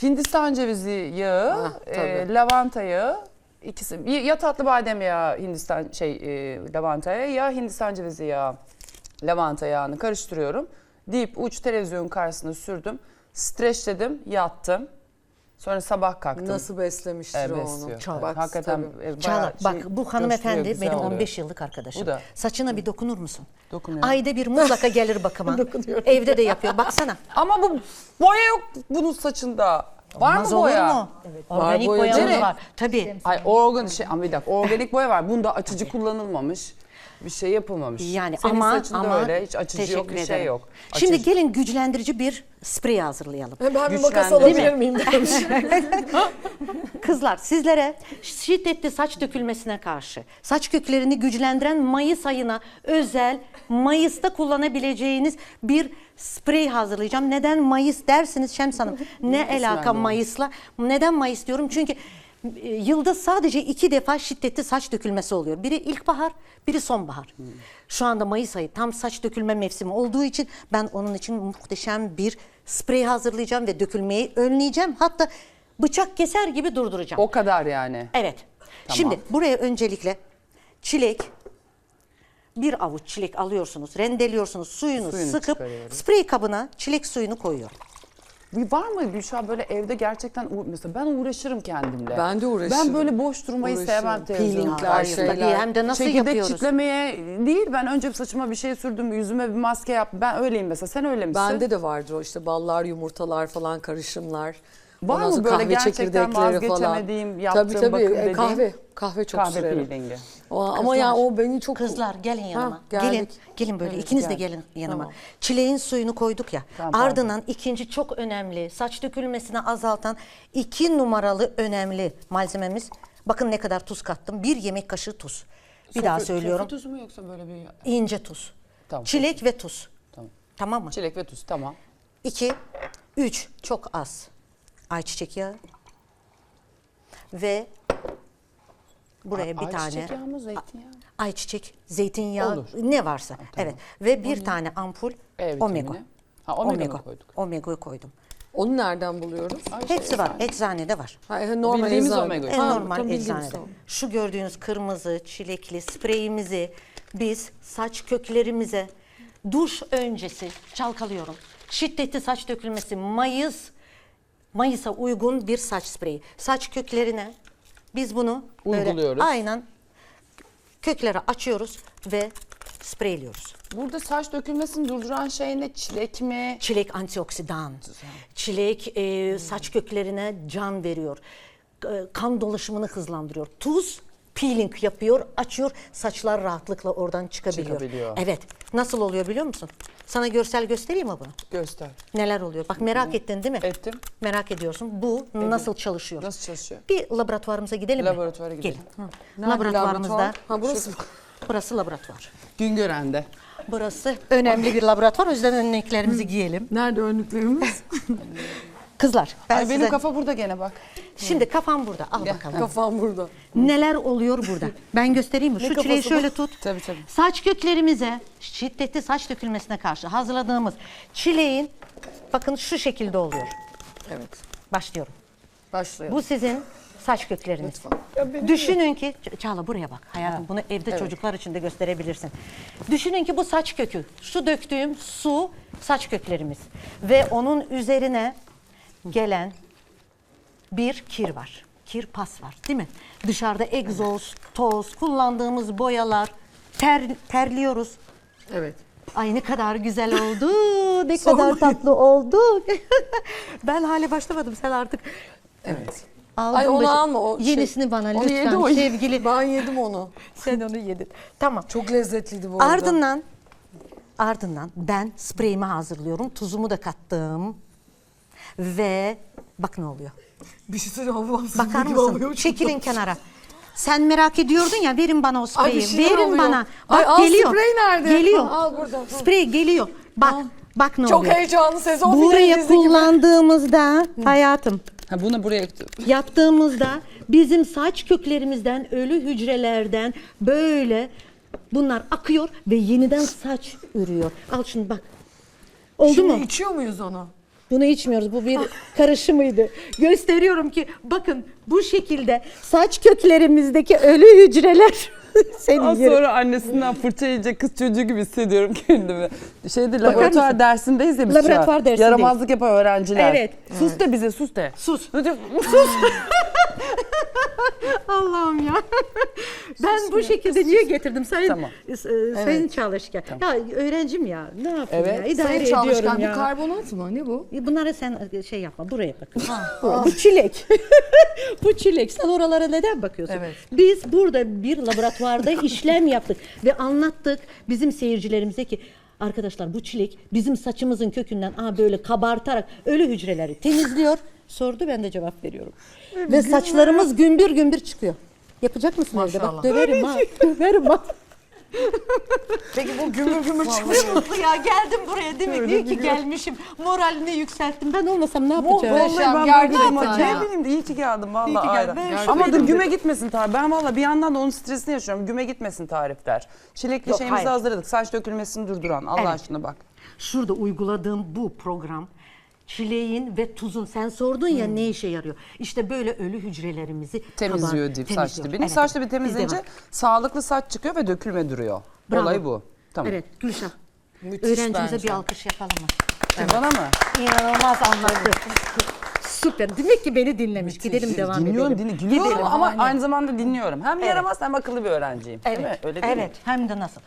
Hindistan cevizi yağı, lavanta yağı, ikisi ya tatlı badem yağı Hindistan lavanta yağı ya Hindistan cevizi yağı, lavanta yağını karıştırıyorum. Dip uç televizyon karşısında sürdüm. Streçledim, yattım. Sonra sabah kalktım. Nasıl beslemiştir o onu. Çok. Bak, Hakikaten Çağla bak bu hanımefendi güzel benim oluyor. 15 yıllık arkadaşım. Bu da. Saçına bir dokunur musun? Dokunuyorum. Ayda bir mutlaka gelir bakıma. Evde de yapıyor. Baksana. Ama bu boya yok bunun saçında. Var Olmaz mı boya? olur mu? Evet. Organik Var, boyamız boyacı. var. Tabii. Ay ama bir dakika organik boya var. Bunda açıcı kullanılmamış. Bir şey yapılmamış. Yani Senin ama saçında öyle hiç açıcı yok, bir teşekkür şey ederim. yok. Şimdi Açıcı. gelin güçlendirici bir sprey hazırlayalım. Ben bir makas Güçlendi, alabilir miyim demiş. Kızlar sizlere şiddetli saç dökülmesine karşı saç köklerini güçlendiren Mayıs ayına özel Mayıs'ta kullanabileceğiniz bir sprey hazırlayacağım. Neden Mayıs dersiniz Şems Hanım? Ne alaka Mayıs'la? Neden Mayıs diyorum? Çünkü yılda sadece 2 defa şiddetli saç dökülmesi oluyor. Biri ilkbahar, biri sonbahar. Şu anda Mayıs ayı tam saç dökülme mevsimi olduğu için ben onun için muhteşem bir sprey hazırlayacağım ve dökülmeyi önleyeceğim. Hatta bıçak keser gibi durduracağım. O kadar yani. Evet. Tamam. Şimdi buraya öncelikle çilek, bir avuç çilek alıyorsunuz, rendeliyorsunuz, suyunu sıkıp çıkarıyoruz. sprey kabına çilek suyunu koyuyorum. Var mı Gülşah böyle evde gerçekten mesela ben uğraşırım kendimle. Ben de uğraşırım. Ben böyle boş durmayı sevmem televizyonda. Peelingler, Hayır, şeyler. tabii hem de nasıl Çekirdek yapıyoruz? çitlemeye değil, ben önce saçıma bir şey sürdüm, yüzüme bir maske yaptım. Ben öyleyim mesela. Sen öyle misin? Bende de vardır o işte ballar, yumurtalar falan karışımlar. Var Ondan mı sonra böyle kahve gerçekten çekirdekleri vazgeçemediğim, yaptığım tabii, bakım dediğim? Kahve çok Kahve sürerim. peelingi. Ama ya o beni çok... Kızlar gelin yanıma. geldik. Gelin böyle Evet, ikiniz de geldik. gelin yanıma. Tamam. Çileğin suyunu koyduk ya. Tamam, pardon. Ardından ikinci çok önemli saç dökülmesini azaltan 2 numaralı önemli malzememiz. Bakın ne kadar tuz kattım. 1 yemek kaşığı tuz. Bir daha söylüyorum. Sofra tuzu mu yoksa böyle bir... İnce tuz. Tamam. Çilek ve tuz. Tamam. Tamam mı? Çilek ve tuz, tamam. 2, 3 çok az ayçiçek yağı ve buraya bir tane Ayçiçek yağı mı, zeytinyağı mı? ayçiçek, zeytinyağı Olur. ne varsa. tamam. Evet ve bir tane ampul E omega. vitamini. Ha, omega mı koyduk? Omega'yı koydum. Onu nereden buluyoruz? Hepsi var. Eczanede var. Normal Bildiğimiz eczane. omega. En normal tam bildiğimiz, eczanede. tamam. Şu gördüğünüz kırmızı çilekli spreyimizi biz saç köklerimize duş öncesi çalkalıyorum. Şiddetli saç dökülmesi Mayıs'a uygun bir saç spreyi. Saç köklerine biz bunu böyle Uyguluyoruz. aynen köklere açıyoruz ve spreyliyoruz. Burada saç dökülmesini durduran şey ne? Çilek mi? Çilek antioksidan. Çilek saç köklerine can veriyor. Kan dolaşımını hızlandırıyor. Tuz peeling yapıyor, açıyor. Saçlar rahatlıkla oradan çıkabiliyor. Evet. Nasıl oluyor biliyor musun? Sana görsel göstereyim mi bunu? Göster. Neler oluyor? Bak merak ettin değil mi? Ettim. Merak ediyorsun. Bu nasıl çalışıyor? Nasıl çalışıyor? Bir laboratuvarımıza gidelim mi? Laboratuvara gidelim. Gelin. Nerede Laboratuvarımızda. laboratuvar? Ha burası. Burası laboratuvar. Güngören'de. Burası önemli bir laboratuvar. O yüzden önlüklerimizi giyelim. Nerede önlüklerimiz? Kızlar ben Ay benim size... kafa burada gene bak. Şimdi kafam burada. Al bakalım. Kafam burada. Neler oluyor burada? Ben göstereyim mi? Şu kafası çileği bu? şöyle tut. Tabii, tabii. Saç köklerimize şiddetli saç dökülmesine karşı hazırladığımız çileğin bakın şu şekilde oluyor. Evet. Başlıyorum. Başlayalım. Bu sizin saç kökleriniz. Düşünün ki Çağla buraya bak hayatım bunu evde çocuklar için de gösterebilirsin. Düşünün ki bu saç kökü. Şu döktüğüm su saç köklerimiz ve onun üzerine gelen bir kir var. Kir pas var değil mi? Dışarıda egzoz, toz, kullandığımız boyalar, terliyoruz. Evet. Ay ne kadar güzel oldu, ne kadar tatlı oldu. Ben hale başlamadım sen artık. Evet. Aldın Ay onu başı- alma. O Yenisini bana onu yedi lütfen o. sevgili. Ben yedim onu. Sen onu yedin. Tamam. Çok lezzetliydi bu arada. Ardından ben spreyimi hazırlıyorum. Tuzumu da kattım. Ve bak ne oluyor. Bir şey söyleyeyim. Bakar mısın? Çekilin kenara. Sen merak ediyordun ya verin bana o spreyi. Ay, bir şeyler Verin oluyor. bana. Ay, Bak al, geliyor. sprey nerede? Geliyor. Ha, al burada. Sprey geliyor. Bak. Bak ne Çok oluyor. heyecanlı sezon Buraya finali dizi gibi. kullandığımızda hayatım Ha bunu buraya yaptığımızda bizim saç köklerimizden ölü hücrelerden böyle bunlar akıyor ve yeniden saç ürüyor. Al şunu bak. Oldu Şimdi mu? içiyor muyuz onu? Bunu içmiyoruz. Bu bir karışımıydı. Gösteriyorum ki bakın bu şekilde saç köklerimizdeki ölü hücreler seni Az yerim. sonra annesinden fırça yiyecek kız çocuğu gibi hissediyorum kendimi. Laboratuvar mısın? dersindeyiz ya biz Laboratuvar şu an. dersindeyiz. Yaramazlık yapan öğrenciler. Evet. Sus de bize, sus de. Sus. Hadi. Allah'ım ya. Ben bu şekilde niye getirdim sayın Tamam. sayın Çalışkan? Ya öğrencim ya. Ne yapayım Evet. ya? İdare Sayın ediyorum Çalışkan ya. bir karbonat mı? Ne bu? Bunları sen şey yapma. Buraya bakın. Bu çilek. Bu çilek. Sen oralara neden bakıyorsun? Evet. Biz burada bir laboratuvarda işlem yaptık ve anlattık bizim seyircilerimize ki arkadaşlar bu çilek bizim saçımızın kökünden böyle kabartarak ölü hücreleri temizliyor. Sordu, ben de cevap veriyorum. Ve saçlarımız gümbür gümbür çıkıyor. Yapacak mısın evde? Bak Maşallah. döverim ha. Döverim ha. Peki bu gümür gümür çıkıyor. Mutlu ya, geldim buraya değil mi? İyi ki gelmişim. Moralini yükselttim. Ben olmasam ne yapacağım? Muhteşem. Ben gerçekten gerçekten ya. Ne bileyim de iyi ki geldim vallahi. İyi ki geldin. aynen. Ben Ama şöyle dur dedim. güme gitmesin tarif. Ben vallahi bir yandan da onun stresini yaşıyorum. Güme gitmesin tarifler. Çilekli Yok, şeyimizi hayır. hazırladık. Saç dökülmesini durduran. Allah Evet. aşkına bak. Şurada uyguladığım bu program çileğin ve tuzun, sen sordun ya ne işe yarıyor? İşte böyle ölü hücrelerimizi Temizliyor dip saç temizliyor. dibini. Evet, Saç dibi evet. temizleyince Bizde var. sağlıklı saç çıkıyor ve dökülme duruyor. Bravo. Olay bu. Tamam. Evet Gülşah. Müthiş Öğrencimize bence. bir alkış yapalım mı? Bana mı? İnanılmaz anlattı. Süper. Demek ki beni dinlemiş. Gidelim devam Dinliyorum, edelim. gülüyorum Gidelim. ama Aynen. aynı zamanda dinliyorum. Hem yaramaz hem akıllı bir öğrenciyim. Değil mi? Evet. Öyle değil mi? Evet. Hem de nasıl?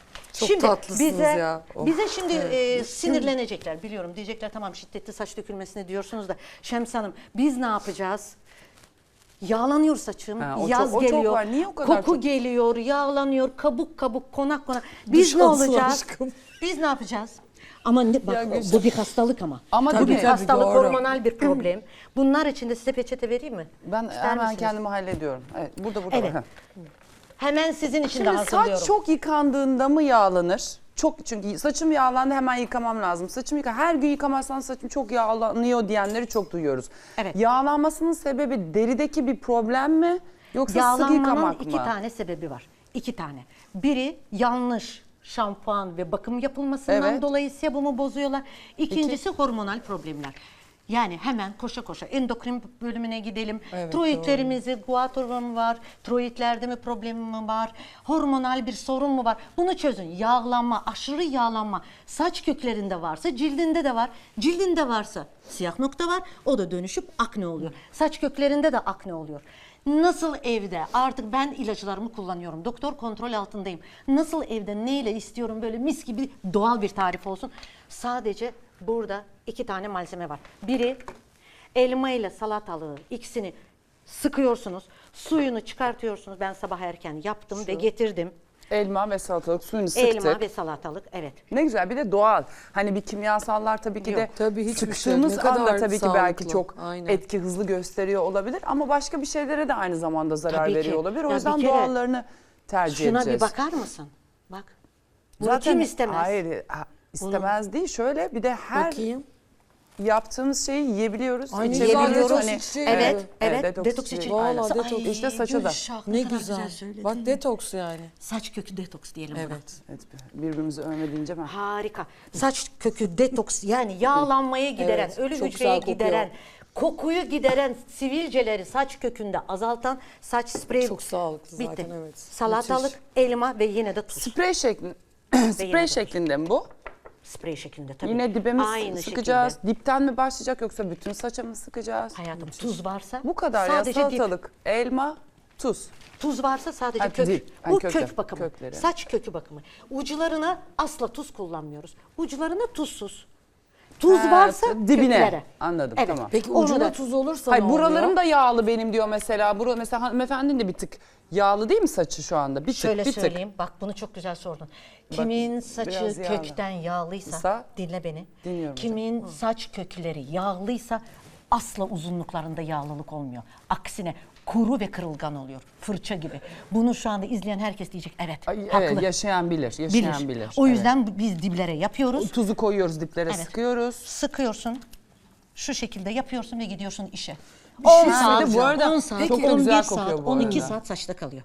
Çok tatlısınız bize, ya. Oh. Bize şimdi sinirlenecekler biliyorum. Diyecekler tamam şiddetli saç dökülmesine diyorsunuz da Şems Hanım biz ne yapacağız? Yağlanıyor saçım, Ha, o yaz çok- o çok geliyor, var. Niye o kadar koku çok? geliyor, yağlanıyor, kabuk kabuk, konak konak. Biz Duş ne alsın olacağız? aşkım. Biz ne yapacağız? Ama bak Gülşah. bu bir hastalık ama. Ama bu tabii, bir tabii, hastalık, doğru. hormonal bir problem. Bunlar için de size peçete vereyim mi? Ben İster hemen misiniz? kendimi hallediyorum. Evet, burada Evet. var. Hemen sizin için de Şimdi hazırlıyorum. saç çok yıkandığında mı yağlanır? Çok, çünkü saçım yağlandı hemen yıkamam lazım. Her gün yıkamazsan saçım çok yağlanıyor diyenleri çok duyuyoruz. Evet. Yağlanmasının sebebi derideki bir problem mi? Yoksa sık Yağlanmanın yıkamak mı? iki tane sebebi var. İki tane. Biri yanlış şampuan ve bakım yapılmasından Evet. dolayı sebumu bozuyorlar. İkincisi hormonal problemler. Yani hemen koşa koşa endokrin bölümüne gidelim. Evet, Tiroidlerimizi, guatr mı var? Tiroidlerde mi problem mi var? Hormonal bir sorun mu var? Bunu çözün. Yağlanma, aşırı yağlanma saç köklerinde varsa cildinde de var. Cildinde varsa siyah nokta var. O da dönüşüp akne oluyor. Saç köklerinde de akne oluyor. Nasıl evde artık ben ilaçlarımı kullanıyorum. Doktor kontrol altındayım. Nasıl evde neyle istiyorum böyle mis gibi doğal bir tarif olsun. Sadece burada iki tane malzeme var. Biri elma ile salatalığı, ikisini sıkıyorsunuz. Suyunu çıkartıyorsunuz. Ben sabah erken yaptım ve getirdim. Elma ve salatalık suyunu sıktık. Elma ve salatalık, evet. Ne güzel, bir de doğal. Hani bir kimyasallar tabii ki de Yok, tabii hiçbir şey. sıktığımız Ne kadar anda tabii ki belki sağlıklı. çok Aynen. etki hızlı gösteriyor olabilir. Ama başka bir şeylere de aynı zamanda zarar Tabii ki. veriyor olabilir. O Ya yüzden bir kere doğallarını tercih Şuna edeceğiz. bir bakar mısın? Bak. Bunu kim istemez? Hayır, istemez değil. Şöyle bir de her Bakayım. yaptığımız şeyi yiyebiliyoruz, Ay, ne içebiliyoruz. güzel, Hani- detoks içeceği Evet, gibi. evet. detoks Detoks içeceği. için. Aynen. Vallahi detoks. İşte saça da. Gülşah, Ne kadar güzel. söyledin. Bak detoks yani. Saç kökü detoks diyelim buna. Evet. Evet, birbirimizi övme deyince ben. Harika. Saç kökü detoks yani yağlanmayı gideren, Evet, ölü çok hücreyi güzel kokuyor. gideren, kokuyu gideren, sivilceleri saç kökünde azaltan saç spreyi. Çok sağlıklı Bitti. zaten, evet. Salatalık, Müthiş. elma ve yine de tuz. Sprey şeklinde, yine sprey de. şeklinde mi bu? Sprey şeklinde tabii. Yine dibe mi Aynı sıkacağız? şekilde. Dipten mi başlayacak yoksa bütün saça mı sıkacağız? Hayatım tuz varsa Bu kadar sadece ya, dip. salatalık, elma, tuz. Tuz varsa sadece Ha, kök. dip. Ha, Bu kökler, kök bakımı. kökleri. Saç kökü bakımı. Uçlarına asla tuz kullanmıyoruz. Uçlarına tuzsuz. Tuz Ha, varsa dibine. köklere. Anladım, Evet. tamam. Peki Onu ucuna da- tuz olursa Hayır, ne oluyor? buralarım da yağlı benim diyor mesela. Mesela hanımefendinin de bir tık yağlı değil mi saçı şu anda? Bir tık, Şöyle bir tık. söyleyeyim. Bak bunu çok güzel sordun. Kimin saçı biraz yağlı. kökten yağlıysa dinle beni. Dinliyorum Kimin saç kökleri yağlıysa asla uzunluklarında yağlılık olmuyor. Aksine kuru ve kırılgan oluyor. Fırça gibi. Bunu şu anda izleyen herkes diyecek evet, Ay, haklı. evet, yaşayan bilir, yaşayan bilir. O Evet. yüzden biz diblere yapıyoruz. Tuzu koyuyoruz diplere, Evet. sıkıyoruz. Sıkıyorsun. Şu şekilde yapıyorsun ve gidiyorsun işe. şey 10 saat, söyleyeyim, bu arada 10 saat, çok da 11 güzel saat, kokuyor bu 12 arada. saat saçta kalıyor.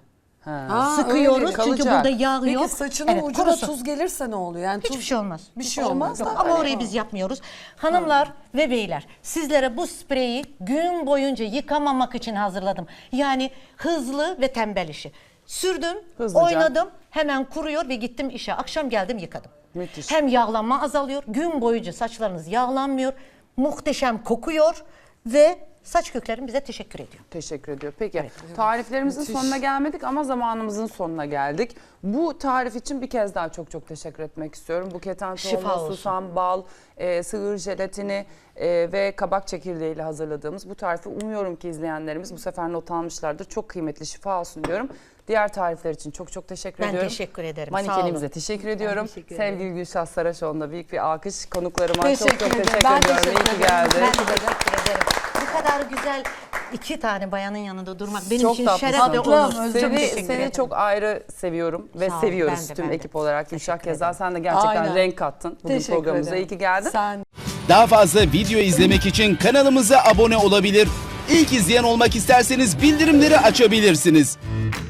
Sıkıyoruz öyle. çünkü Kalacak. burada yağ Peki yok. saçının Evet, ucuna kurusun. tuz gelirse ne oluyor? Yani Hiçbir şey olmaz. Bir şey olmaz. Yok, da. ama orayı biz yapmıyoruz. Hanımlar ve beyler, sizlere bu spreyi gün boyunca yıkamamak için hazırladım. Yani hızlı ve tembel işi. Sürdüm, Hızlıca. oynadım, hemen kuruyor ve gittim işe. Akşam geldim yıkadım. Müthiş. Hem yağlanma azalıyor, gün boyunca saçlarınız yağlanmıyor, muhteşem kokuyor ve saç köklerim bize teşekkür ediyor. Teşekkür ediyor. Peki tariflerimizin sonuna gelmedik ama zamanımızın sonuna geldik. Bu tarif için bir kez daha çok çok teşekkür etmek istiyorum. Bu keten Şifa tohumu, olsun. susam, bal, sığır jelatini ve kabak çekirdeği ile hazırladığımız bu tarifi umuyorum ki izleyenlerimiz bu sefer not almışlardır. Çok kıymetli, şifa olsun diyorum. Diğer tarifler için çok çok teşekkür Ben ediyorum. teşekkür ederim. Sağ Manikenimize olun. teşekkür ediyorum. teşekkür ederim. Sevgili Gülşah Saraçoğlu'na büyük bir alkış. Konuklarıma Teşekkür çok çok ederim. teşekkür Ben ediyorum. teşekkür İyi ki ederim. geldi. Ben de teşekkür ederim. Bu kadar güzel iki tane bayanın yanında durmak benim Çok için tatlısın. şeref ve onur. Tatlım, Çok Seni, teşekkür seni ederim. çok ayrı seviyorum ve Sağ ol, seviyoruz ben de, tüm ben de. ekip olarak. Gülşah Teşekkür Keza sen de gerçekten Aynen. renk kattın bugün Teşekkür programımıza. ederim. İyi ki geldin. Sen Daha fazla video izlemek için kanalımıza abone olabilir. İlk izleyen olmak isterseniz bildirimleri açabilirsiniz.